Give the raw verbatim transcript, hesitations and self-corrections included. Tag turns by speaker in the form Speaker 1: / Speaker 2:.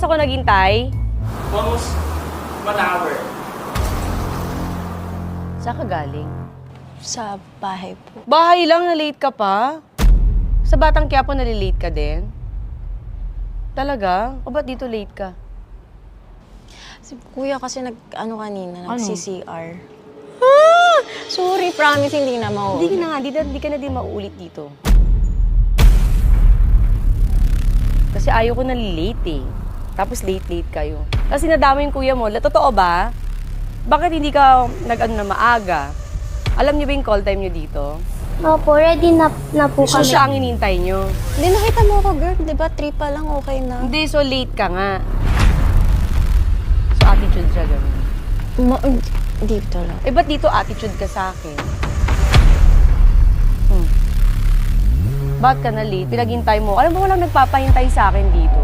Speaker 1: ako naghintay?
Speaker 2: Almost one hour.
Speaker 1: Saan ka galing?
Speaker 3: Sa bahay po.
Speaker 1: Bahay lang, na-late ka pa? Sa Batang Quiapo, nalilate ka din? Talaga? O ba't dito late ka?
Speaker 3: Si kuya kasi nag, ano kanina,
Speaker 1: Ano?
Speaker 3: nag-C C R. Ah! Sorry, promise, hindi na mau.
Speaker 1: Hindi ka na nga, di, di ka na din mauulit dito. Kasi ayaw ko nalilate eh. Tapos late-late kayo. Kasi nadama yung kuya mo. La- Totoo ba? Bakit hindi ka nag-ano na maaga? Alam niyo ba yung call time niyo dito?
Speaker 4: Opo, ready na, na po
Speaker 1: So
Speaker 4: kami.
Speaker 1: siya ang inintay niyo.
Speaker 3: Hindi, nakita mo ako, girl. Di ba, three pa lang, okay na.
Speaker 1: Hindi, so late ka nga. So attitude siya ganun.
Speaker 3: Ma dito lang.
Speaker 1: Eh, ba't dito attitude ka sa akin? Hmm. Ba't ka na late? Pinaghintay mo. Alam mo, walang nagpapahintay sa akin dito.